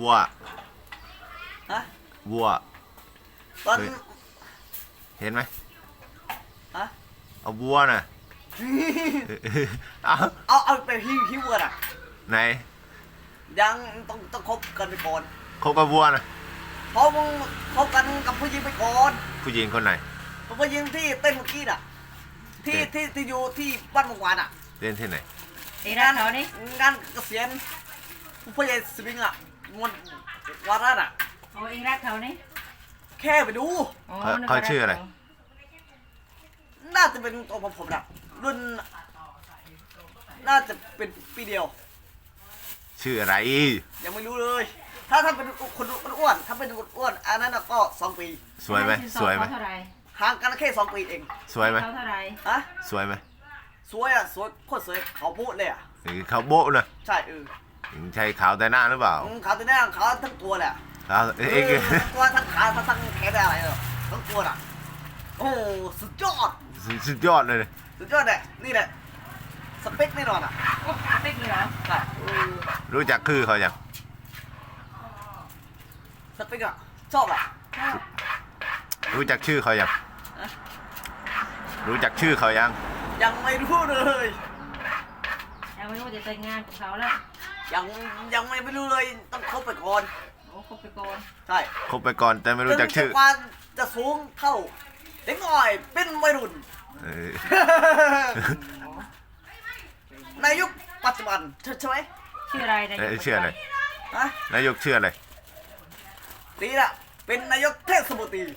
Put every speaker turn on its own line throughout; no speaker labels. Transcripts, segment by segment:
วัว
ฮะ
วัว
ตอน
เห็นไหม
ฮะ
เอาวัวน่ะเอา
เอาไปหิวกันอ่ะ
ไหน
ยังต้องคบกันไปก่อน
คบกับวัวน่ะ
เพราะมึงคบกันกับผู้หญิงไปก่อน
ผู้หญิงคนไหน
ผู้หญิงที่เต้นเมื่อกี้น่ะที่อยู่ที่บ้านเมื่อวานอ่ะ
เล่นที่ไหน
งานเกษียณผู้ใหญ่สวิงอ่ะมันวาระอ่ะ
โอ้เองรักเขานี่
แค่ไปดู
เขาชื่ออะไร
น่าจะเป็นตัวผมนะรุ่นน่าจะเป็นปีเดียว
ชื่ออะไร
ยังไม่รู้เลยถ้าเป็นคนอ้วนถ้าเป็นคนอ้วนอันนั้นก็2 ปี
สวยไหมสวยไหม
ห่างกันแค่2 ปีเอง
สวยไหม
เขาเท่าไร
ฮะ
สวยไหม
สวยอ่ะสวยโคตรสวยเขาโบ๊ะเลยอ่ะ
เขาโบ๊ะนะ
ใช่
ใช่ขาวแต่หน้าหรือเปล่า
ขาวแต่หน้าขาวทั้งตัวแหละ
ขาว
ตัวทั้งขาทั้งแขนอะไรเนาะทั้งตัวอ่ะโอ้สุดยอด
สุดยอดเลย
สุดยอดเลยนี่แหละสเปคแน่นอนอ่ะ
สเปคเลยเหรอ
ใช่
รู้จักคือเขายัง
สเปคอ่ะชอบอ่ะ
รู้จักชื่อเขายังรู้จักชื่อเขา
ยังไม่รู้เลย
ยังไม่รู้จะแต่งงานกับเขาแล้ว
ยังไม่รู้เลยต้องคบไปก่อน
โอ้คบไปก่อน
ใช่
คบไปก่อนแต่ไม่รู้จักชื่อ
จะสูงเท่าเด็กน้อยเป็นวัยรุ่นในยุคปัจจุบันใช่ไหม
ชื่ออะไร
นายกชื่ออะไรนายกชื่ออะไร
ตีละเป็นนายกเทศมนตรี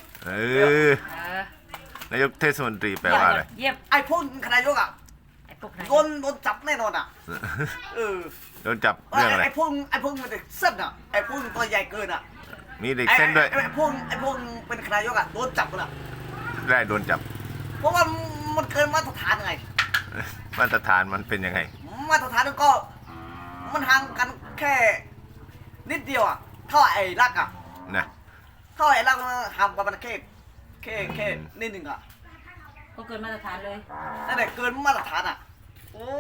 นายกเทศมนตรีแปลว่าอะไร
ไอ้พวกนายกอ่ะโดนจับแน่นอนอ่ะ
โดนจับเรื่องอะไร
ไอ้พวกมันเด็กเส้นอ่ะไอ้พวกตัวใหญ่เกินอ่ะ
มีเด็กเส้นด้วย
ไอ้พวกเป็นนายกอ่ะโดนจับกันอ่ะ
ได้โดนจับ
เพราะว่ามันเกินมาตรฐานไง
มาตรฐานมันเป็นยังไง
มาตรฐานก็มันห่างกันแค่นิดเดียวอ่ะเท่าไอ้รักอ่ะ
นะ
เท่าไอ้รักห่างกันแค่นิดหนึ่งอ่ะ
ก็เกินมาตรฐานเลย
นั่นแหละเกินมาตรฐานอ่ะโอ้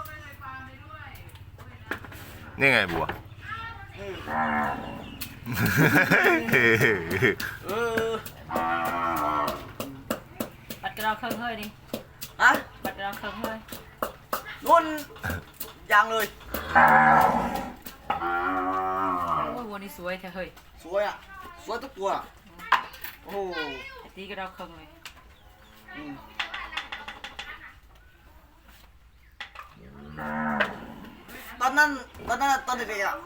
นี่ไงบัว
บัดกระดองเครื่องเฮ้ยดิ
อะ
บัดกระดองเครื่องเฮ้ย
นุ่นยังเลย
โอ้ยวันนี้สวยแท้เฮ้ย
สวยอ่ะสวยทุกตัวโอ้
ตีกระดองเครื่องเลย
ตอนเด็กๆอ่ะ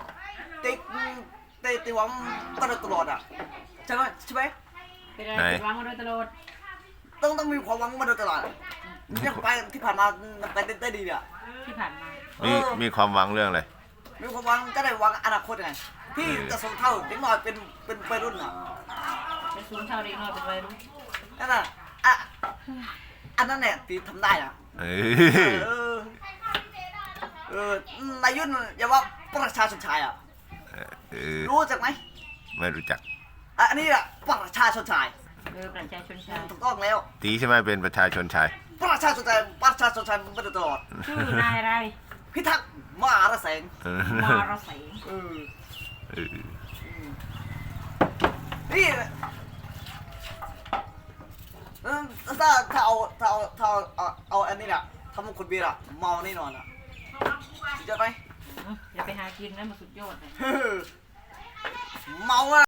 ตีหวังตลอดอ่ะใช่ไหม
เป็นอะไรหวังมาโดยตลอด
ต้องมีความหวังมาโดยตลอดยังไปที่ผ่านมาไปได้ดีเนี่ย
ที่ผ่านมา
มีความหวังเรื่องอะไร
มีความหวังจะได้หวังอนาคตไงที่จะส่งเท่าเด็กน้อยเป็นวัยรุ่นอ่ะ
จะสูงเท่าเด็กน้อยเป็นวัยรุ่น
นั่นน่ะอันนั้นเนี่ยตีทำได้อ่ะนายยุ่นอย่าว่าประชาชนชายอ่ะรู้จักไหม
ไม่รู้จัก
อันนี้แหละประชาชนชาย
ประชาชนชาย
ถูกต้องแล้ว
ตีใช่ไหมเป็นประชาชนชาย
ประชาชนชายมันมาตลอด
ชื่อนายอะไร
พิทักษ์มารแสงนี่ถ้าเอาอันนี้แหละทำคนเบียร์อะเมาแน่นอนอะสุดยอดไหม
อย่าไปหากินนะมันสุดยอดเลย
เมาอะ